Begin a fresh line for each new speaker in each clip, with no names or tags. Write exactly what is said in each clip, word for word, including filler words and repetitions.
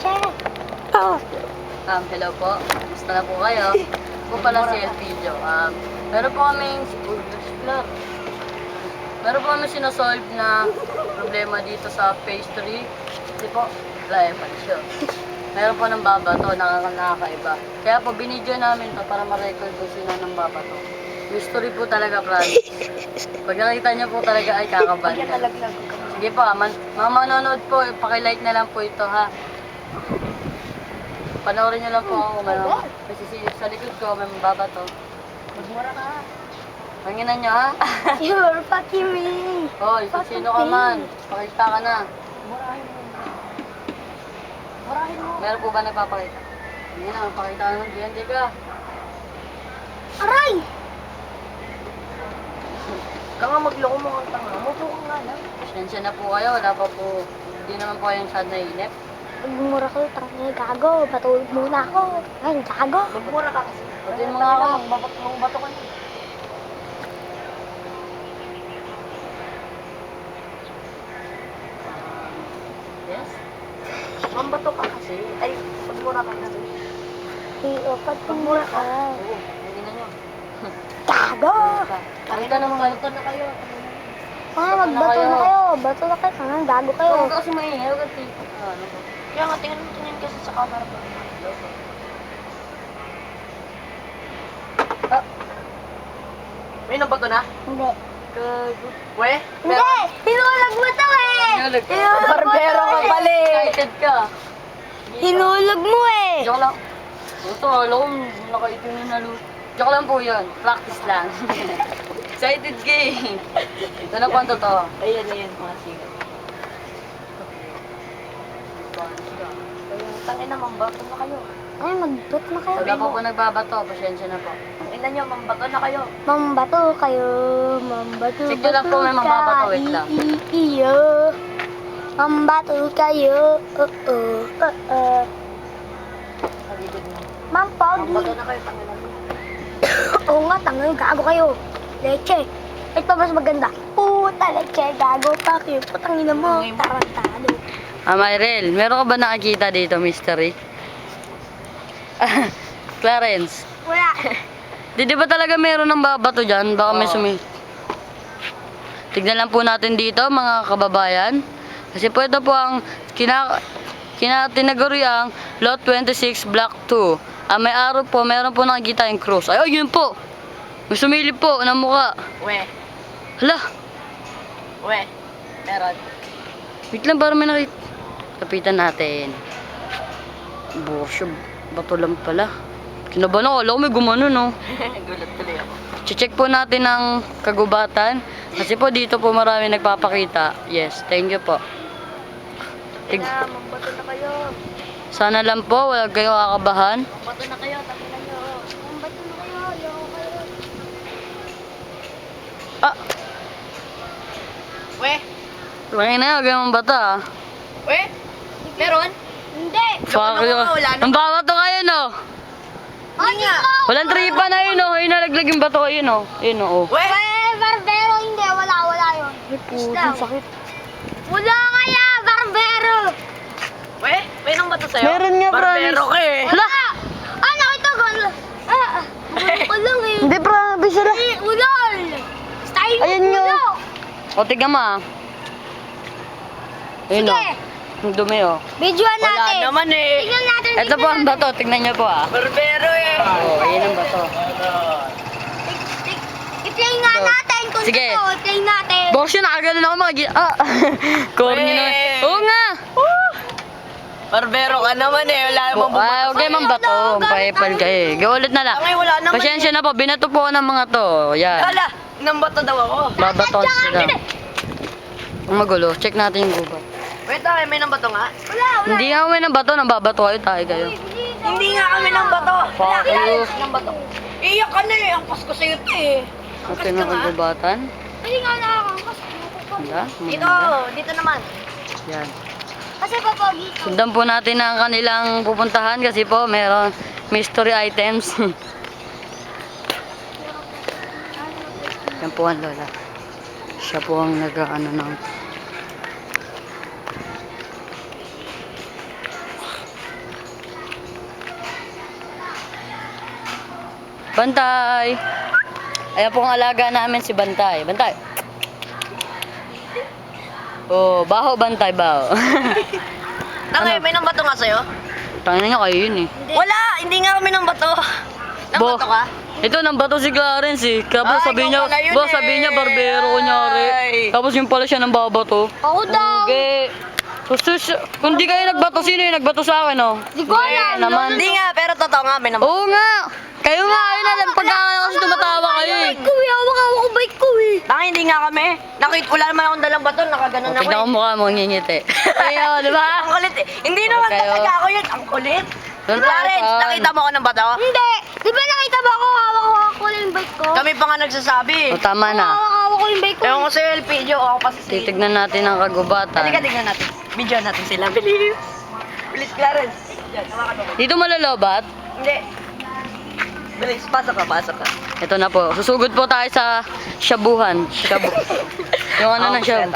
leche. Oh.
Um, hello po. Gusto na po kayo? Po pala si Elpidio. Um, meron po kaming... Uy, flap. Meron po kami sinasolve na problema dito sa pastry. Kasi po, wala eh, pansyo. Meron po ng babato, nakaka nakakaiba. Kaya po, binidyo namin to para ma-record po sila ng babato. Mystery po talaga, promise. Pag nakita niyo po talaga ay kakabahan. Sige po, ah, man, mga manonood po, pakilike na lang po ito ha. Panoorin niyo lang po ako. Ano, kasi si- sa likod ko, may babato.
Magmura ka.
Panginan niyo ha.
You're fucking me.
Hoy, kung sino ka man, pakita ka na.
Murahin mo. Murahin mo.
Meron po ba nagpapakita? Hindi na, pakita ka naman, D N D ka.
Aray!
Ikaw nga magloko mo ang tanga. Mupo ka nga lang. Pasensya na po kayo, wala pa po. Hindi naman po kayong sad na inip.
Magmura ka, tangin, gago. Patulog muna ako. Ay, gago.
Magmura ka kasi. Patuloy mo nga ako, magbabato mong bato ka niya. Yes? Mambato ka kasi. Ay, magmura ka kasi.
Iyo, pagmura ka.
Oo, hindi na nyo.
Gago!
Pakita naman kayo. Pakita na kayo.
Ah, magbato na kayo. Bato na kayo. Tangan, gago kayo.
Huwag ka kasi maingay. Huwag ka tipo. Ah, ano ba?
Kaya nga, tingnan mo tingin kasi sa camera ba?
Ah,
May nabato na?
Hindi.
gago.
We?
Hindi! Hinulog mo to eh!
Hinulog ka?
Hinulog mo
Barbero
to
ka
eh.
pala eh!
Excited ka.
Hinulog mo eh!
Joke lang. Ito, alam ko, nakaitin na nalo. Joke lang po yun. Practice lang. Excited ka eh. Ito na po ang totoo.
Ayan, ayan, mga sigat. Tangin na, mambato na kayo.
Ay, magbato na kayo.
Wala po po nagbabato. Pasensya na po.
Tingnan nyo, mambato na kayo.
Mambato kayo, mambato
Sige lang po, may mambabato, wait lang.
Iyo. Mambato kayo. Oo. Oo.
Kaligid mo.
Ma'am Pogi.
Mambato na kayo, tangin na.
Oo nga, tangin, gago kayo. Leche. Ito mas maganda. Puta, leche, gago pa kayo. Putangin na mo. Tarantado.
Ah, Myrel, meron ka ba nakakita dito, mystery? Clarence,
Wala.
di, di ba talaga meron ng babato dyan? Baka may
Oo.
sumi... Tignan lang po natin dito, mga kababayan. Kasi po ito po ang kina, kina tinaguriang Lot twenty-six Block two. Ah, may araw po, meron po nakikita yung cross. Ay, oh, yun po! May sumilip po ng mukha.
We,
Hala,
we. Meron.
wait lang para may nakita. Kapitan natin. Buwasyo, bato lang pala. Kinabahan ako, alam ko may gumano, no?
Gulat tuloy ako.
Check po natin ang kagubatan. Kasi po dito po marami nagpapakita. Yes, thank you po. Tig
Tingnan, mambato na kayo.
Sana lang po, wala kayong kakabahan.
Mambato na kayo, tangin na nyo.
Mambato na kayo, ayoko kayo.
Ah,
We,
laki na yun, huwag kayong bata ah.
we. Meron?
Hindi.
Fuck
naman,
you.
wala naman.
Ang bawa to kayo, no?
Ay, nga.
Walang tripa na yun, no? Ayun, nalaglag yung bato, ayun, no? Ayun, no?
We,
Eh, barbero, hindi. Wala, wala yun.
Ay,
Islam.
sakit.
Wala kaya, barbero.
we. May nang bato sa'yo?
Meron nga,
Barbero
promise.
ka eh.
Hala!
Ah, nakita ko. Ah, ah. Wala ko lang eh.
Hindi, promise sila.
Eh, wala. Style mo,
Ayun nga.
wala.
O, tignan mo, ah. Ayun, no?
Sige,
Ang dumi, oh.
videoan
Wala
natin.
naman eh.
Tignan natin.
Ito po ang bato, tignan niyo po, ah.
Barbero eh.
Oh, ayun ang bato.
I-play nga
Ito.
natin kung
Sige.
totoo. I-play natin.
Boss yun, nakaganon ako mga gi- Ah! Corny
Weh.
naman. Oo nga!
Barbero ka naman eh. Wala namang
Oh, ah, okay man ba to? Paipal ka eh. Gaulit na lang.
Tangay, wala naman
Pasensya na po, binato po ako ng mga to. Yan.
Hala, nang bato daw ako.
Babaton sila. Ang magulo, check natin yung gubat.
Wait, ay, may nang bato nga?
Wala, wala.
Hindi nga kami ng bato, nang babato kayo, tayo kayo.
Hindi nga kami nang bato.
Fuck you.
Nang bato. Iyak ka na eh. Ang pasko sa'yo ito eh.
Okay na kagubatan.
Hindi nga nakakangkas.
Wala,
Dito,
maganda.
dito naman.
Yan.
Kasi papogi ko.
Sundan po natin ang kanilang pupuntahan kasi po meron mystery items. Yan po ang lola. Siya po ang nag-ano ng Bantay! Ayan po ang alaga namin si Bantay. Bantay! Oh, baho Bantay, baho.
Tangay,
Ano?
may nang bato nga sa'yo?
Tangin niya kayo yun eh.
Wala, hindi nga kami ng bato. Nang
Bo-
bato ka?
Ito, nang bato si Clarence eh. Tapos
Ay,
sabi
ikaw
niya,
pala yun
ba,
eh.
sabi niya barbero kunyari.
Ay.
Tapos yung pala siya ng babato.
Ako daw.
Okay. Gusto siya, kung di kayo nagbato, sino yung nagbato sa akin, oh?
Di ko alam.
naman.
Hindi nga, pero totoo nga, may nang bato.
Oo nga! Kayo nga, ayun na lang. Pagkakala kasi tumatawa kayo eh.
Bike ko eh. Hawak-hawak ko bike ko eh.
Tangay, hindi nga kami. Nakita, wala naman akong dalang bato, nakaganon
Oh,
ako
tignan ko
eh.
mukha mo, ngingiti. Ayun, di ba?
Ang kulit eh. Hindi naman
Kayo.
talaga ako yun, ang kulit.
Doon
Clarence,
tayo,
nakita mo ako ng bato?
Hindi. Di ba nakita mo ako hawak-hawak ko yung bike ko?
Kami pa nga nagsasabi.
O, tama na.
Hawak-hawak ko yung bike ko.
Ewan ko sa'yo, L P, Jo, ako pa si
Titignan natin ang kagubatan.
Halika, tignan natin. Video natin sila. Bilis. Bilis, Clarence. Yan, hawakan mo.
Dito malalobat.
Hindi. Bilis, pasok ka, pasok ka.
Ito na po. Susugod po tayo sa shabuhan. Shabu. Yung ano na shabu.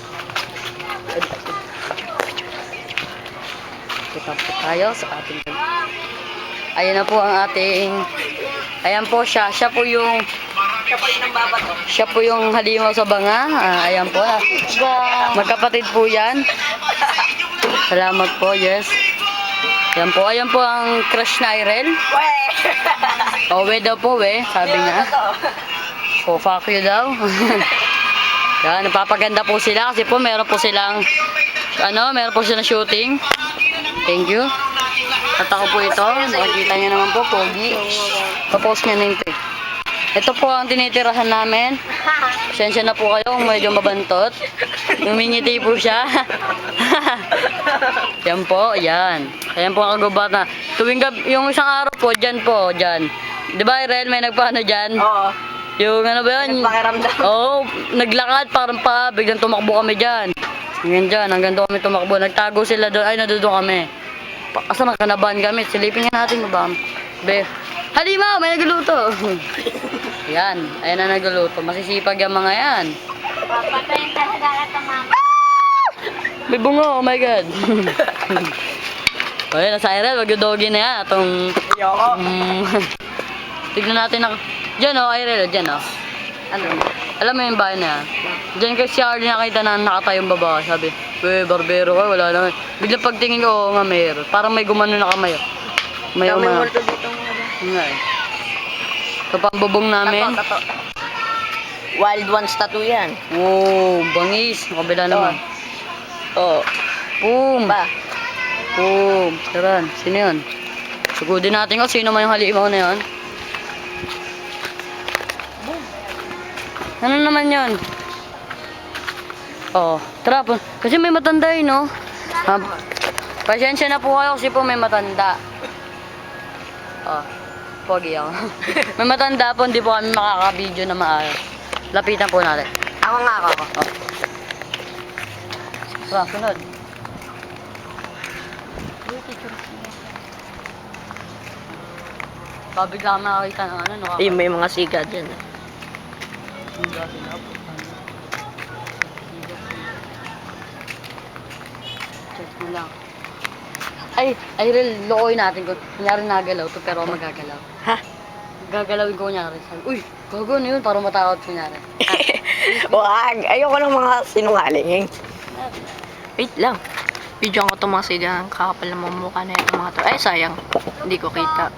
Kita po tayo sa ating... Ayan na po ang ating... Ayan po siya. Siya po yung...
Siya pa rin ang babato.
Siya po yung halimaw sa banga. Ah, ayan po. Magkapatid po yan. Salamat po, yes. Ayan po. Ayan po ang crush na Irel.
Weh!
O, we daw po, we. Sabi niya. So, fuck you daw. Yan, napapaganda po sila kasi po meron po silang ano, meron po silang shooting. Thank you. At ako po ito, makikita niyo naman po, pogi. Papost niya na yung pic. Ito po ang tinitirahan namin. Pasensya na po kayo kung medyo mabantot. Numingiti po siya. Yan po, yan. Ayan po ang kagubat na. Tuwing gab- yung isang araw po, dyan po, dyan. Di ba, Irel, may nagpaano dyan?
Oo.
Yung ano ba yun?
Nagpakiramdam.
Oo, naglakad parang pa, biglang tumakbo kami dyan. Hanggang dyan, hanggang doon kami tumakbo. Nagtago sila doon, ay nandoon kami. Pa- Asa nakanabahan kami, silipin nga natin ba? Be, halimaw, may nagluluto. Yan, ayan na nagluluto. Masisipag yung mga yan.
Papatayin ka sa galat ng mama.
May bungo, oh my god. O yun, nasa Irel, wag yung doggy na yan. Atong,
Ayoko.
um, tignan natin na, dyan o, oh, Irel, dyan o. Oh.
Ano?
Alam mo yung bahay na yan? Diyan kay si Arlie nakita na nakatayong babae. Sabi, we, barbero ka, wala naman. Biglang pagtingin ko, oo nga mayroon. Parang may gumano na kamay. oh. May
Dami
umano.
multo dito mga ba?
Yun nga eh. Ito pa ang bubong namin.
Tato, tato. Wild Ones tattoo yan.
Oo, bangis. Kabila naman.
Oo.
Boom.
Ba?
Boom. Taran, sino yun? Sugudin natin ko sino man yung halimaw na yun. Ano naman yun? Oo. Tara po. Kasi may matanda yun, no? Ha? Pasensya na po kayo kasi po may matanda. Oh. Pogi ako. May matanda po, hindi po kami makaka-video na maayos. Lapitan po natin.
Ako nga ako.
Oh. Tara, sunod. Pabigla kami nakakita ng ano, no?
Ayun, may mga siga dyan.
Check mo lang. Ay, ay, real, looy natin ko. Kunyari nagalaw to, pero ako magagalaw.
Ha?
Gagalawin ko kunyari. Sabi, uy, gago na yun, para matakot kunyari.
Wag! Ayoko ng mga sinungaling. Wait lang. Video ko itong mga siga. Ang kakapal na mga mukha na yung mga to. Ay, sayang. Hindi ko kita.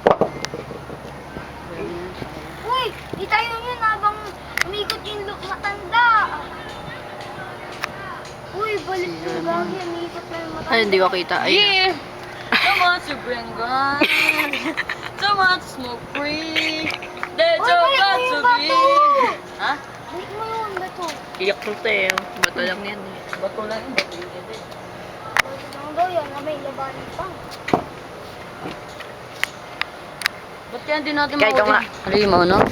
Uy, di tayo yun habang umikot yung look matanda. Uy, balik yung gagi. Umikot na yung matanda.
Ay, hindi ko kita. Ay,
Yeah! So much to bring gun. So much smoke free. There's
Uy,
so
balik mo
got to
yung
be.
bato!
Ha?
Balik mo yun, bato.
iyak ko tayo. Bato lang yan eh.
Bato lang yun, bato yun.
Bato lang daw yan, na may labanan pa.
Ba't kaya hindi natin
Kaya ikaw
mahuli?
nga.
Halimaw, no?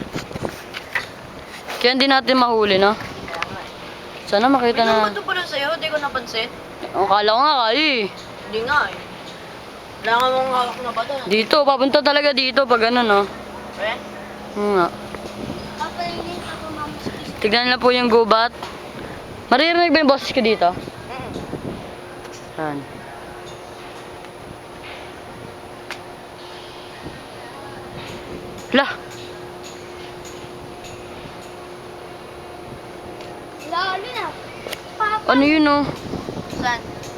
Kaya hindi natin mahuli, no? Sana makita
May
na.
bato pa rin sa'yo. Hindi ko napansin.
Ang kala ko nga kayo eh.
Hindi nga eh. Wala nga mong hawak na bato.
Dito, papunta talaga dito pag ano, no?
Eh?
Oo nga.
Papainin ako mama sa isa.
Tignan nila po yung gubat. Maririnig ba yung boses ko dito?
Mm.
Saan? Lah,
Lalo na. Papa.
ano yun oh?
Saan?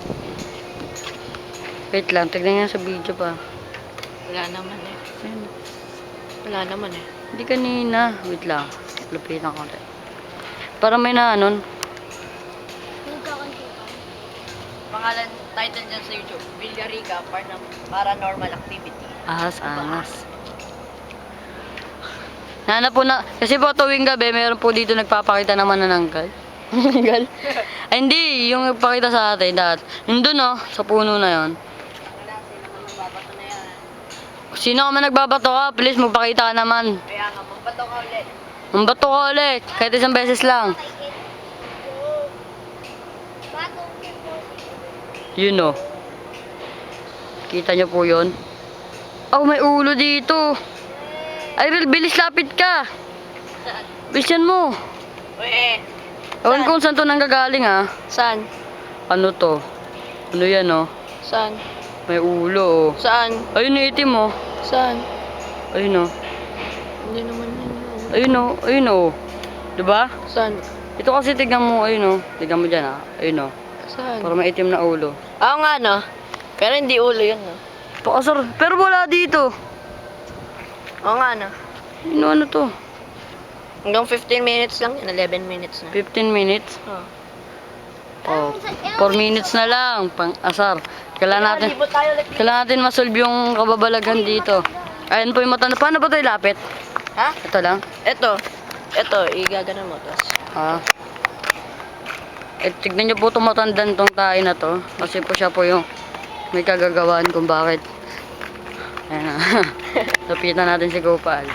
Wait lang, tignan nga sa video pa.
Wala naman eh.
Ayun.
Wala naman eh.
Hindi kanina. Wait lang. Lupitan ko ulit. Para may na ano.
Nagkakantukan.
Pangalan, title dyan sa YouTube, Villarica Paranormal Activity.
Ahas, angas. Nana po na, kasi po tuwing gabi, meron po dito nagpapakita ng manananggal. Manananggal? Ay hindi, yung nagpakita sa atin dahil. Yung dun oh, sa puno na yon.
Wala, sino naman babato na yan.
Sino ka man nagbabato ka, please magpakita ka naman.
Kaya nga, magbato ka ulit.
Mambato ka ulit, kahit isang beses lang. Yun oh. Kita nyo po yun? Oh, may ulo dito. Irel, bilis lapit ka.
Saan?
Bilisan mo.
Uy,
Ewan kung saan to nanggagaling ah.
Saan?
Ano to? Ano yan oh?
Saan?
May ulo oh.
Saan?
Ayun yung itim oh.
Saan?
Ayun oh.
Hindi naman yun.
Ayun oh. Ayun oh. Diba?
Saan?
Ito kasi tignan mo. Ayun oh. Tignan mo dyan ah. Ayun oh.
Saan?
Para may itim na ulo.
Oo nga no. Pero hindi ulo yun no.
Pakasar. Pero wala dito.
Oo nga no.
Ano ano to?
Hanggang fifteen minutes lang yun. eleven minutes na.
fifteen minutes?
Oh.
Oh. four minutes na lang. Pang asar. Kailangan natin,
Libo tayo ulit.
kailangan natin masolve yung kababalagan dito. Ayun po yung mata. Paano ba ito ilapit?
Ha?
Ito lang.
Ito. Ito, igagana mo. Tapos,
Ah. Eh, tignan niyo po itong matandang tong tayo na to. Kasi po siya po yung may kagagawaan kung bakit. Ayan na. Lapitan natin si Gopal.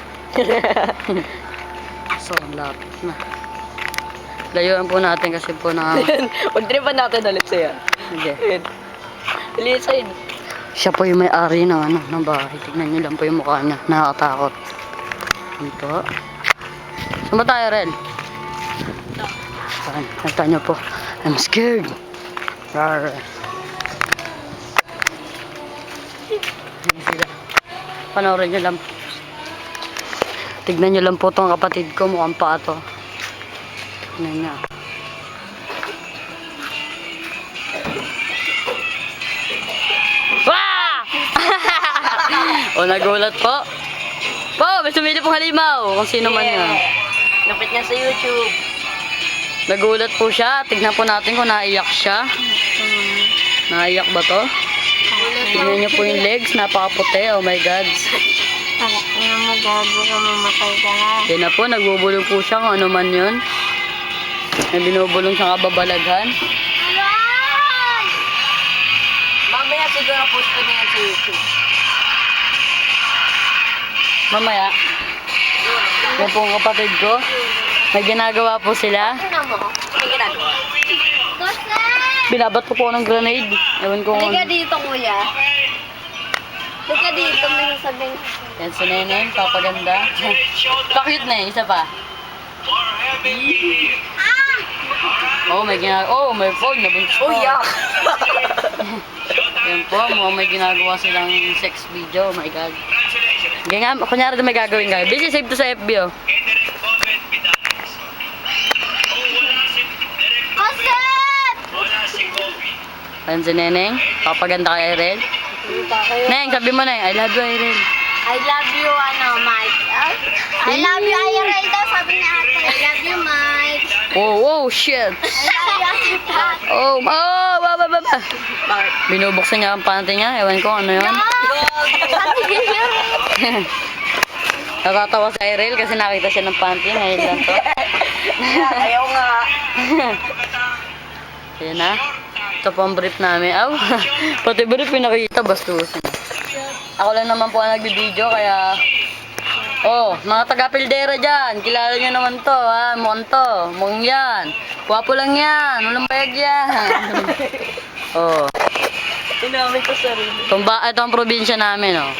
So, ang lapit na. Layuan po natin kasi po na...
pag-tripan natin ulit siya.
Hindi.
Ayun. Lisan.
Siya po yung may-ari ng, ano, ng bahay. Tignan niyo lang po yung mukha niya. Nakakatakot. Ito. Saan ba tayo, Ren? Saan? Nakita niyo po. I'm scared. Rar. Ayan sila. Panoorin niyo lang. Tignan niyo lang po tong kapatid ko. Mukhang pa to. Tignan niya. Wah! O, nagulat po. Po, may sumili pong halimaw. Kung sino man yan.
Lapit niya sa YouTube.
Nagulat po siya. Tignan po natin kung naiyak siya. Naiyak ba to? Tignan niyo po yung legs. Napakaputi. Oh my God.
Ano mo, gago ka, mamatay ka na.
Yan na po. Nagbubulong po siya kung ano man yun. May binubulong siyang kababalaghan.
Mamaya siguro post ko na yan sa YouTube.
Mamaya. Yan po ang kapatid ko. May ginagawa po sila.
Tingnan mo. May ginagawa.
Binabat ko po ng grenade. Ewan ko kung...
Halika dito, kuya. Halika dito, may sasabihin.
Yan si Neneng, papaganda. Pakit na eh, isa pa. Oh, may ginagawa. Oh, may phone. Nabuntis po.
Oh, yak!
Yan po, mukhang may ginagawa silang sex video. Oh my God. Ganyan nga, kunyari ito may gagawin kayo. Busy, save to sa F B, oh. Ayan si Neneng. Papaganda kay Irene. Neng, sabi mo na I love you, Irene.
I love you, ano, Mike. Ah, I love you, Irene daw, sabi ni ate. I love you, Mike.
Oh, oh, shit.
I love you, Pat.
Oh, oh, ba, ba, ba, ba.
Bakit?
Binubuksan niya ang panty niya. Ewan ko ano yun.
Sabi niya.
Natatawa sa Irene kasi nakita siya ng panty. Ngayon lang to.
Ayaw nga.
Ayan na. Ito po ang brief namin. Aw, pati brief yung nakita. Bastusin. Ako lang naman po ang nagbibideo kaya... Oh, mga taga-pildera dyan. Kilala nyo naman to, ha? Mukhang to. Mukhang yan. Wapo lang yan. Walang bayag yan. Oh.
Tinamay ko sarili.
Tumba, ito ang probinsya namin, oh.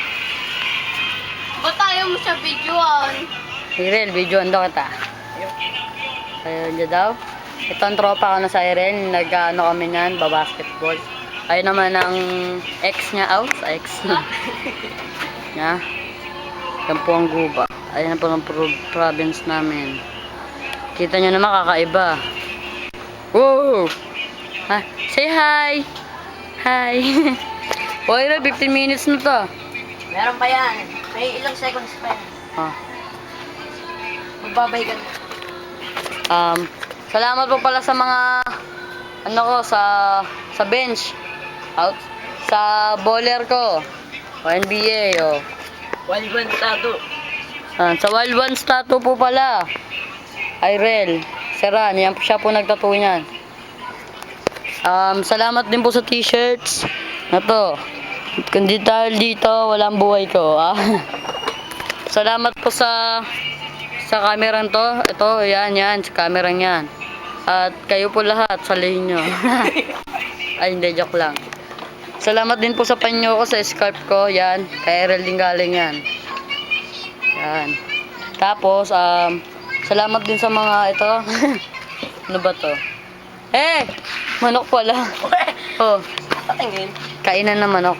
Ba't ayaw mo siya videoan?
Irel, videoan daw kita. Ayun dyan daw. Ito ang tropa ko na sa Irel. Nag-ano kami niyan, babasketball. Ayun naman ang ex niya, out sa ex. Niya. Yan po ang guba. Ayan po ang pro- province namin. Kita nyo naman kakaiba. Wow! Ha, say hi! Hi! Okay na, fifteen minutes na to.
Meron pa yan. May ilang seconds pa yan.
Ah.
Magbabay ka na.
Um, salamat po pala sa mga ano ko sa sa bench out sa bowler ko. O N B A o.
Wild one tattoo.
Ah, sa Wild Ones tattoo po pala. Irel, Seran, yan po siya po nagtattoo niyan. Um, salamat din po sa t-shirts na to. Kundi dahil dito, walang buhay ko. Ah. Salamat po sa sa kamerang to. Ito, yan, yan, sa kamerang yan. At kayo po lahat, salihin nyo. Ay, hindi, joke lang. Salamat din po sa panyo ko, sa scarf ko. Yan, kay Erel din galing yan. Yan. Tapos, um, salamat din sa mga ito. Ano ba to? Eh! Manok pala. Oh,
Patingin.
kainan na manok.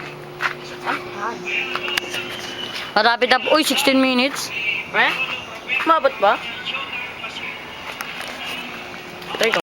Marapit na po. Uy, sixteen minutes.
Eh? Mabot ba? Teka.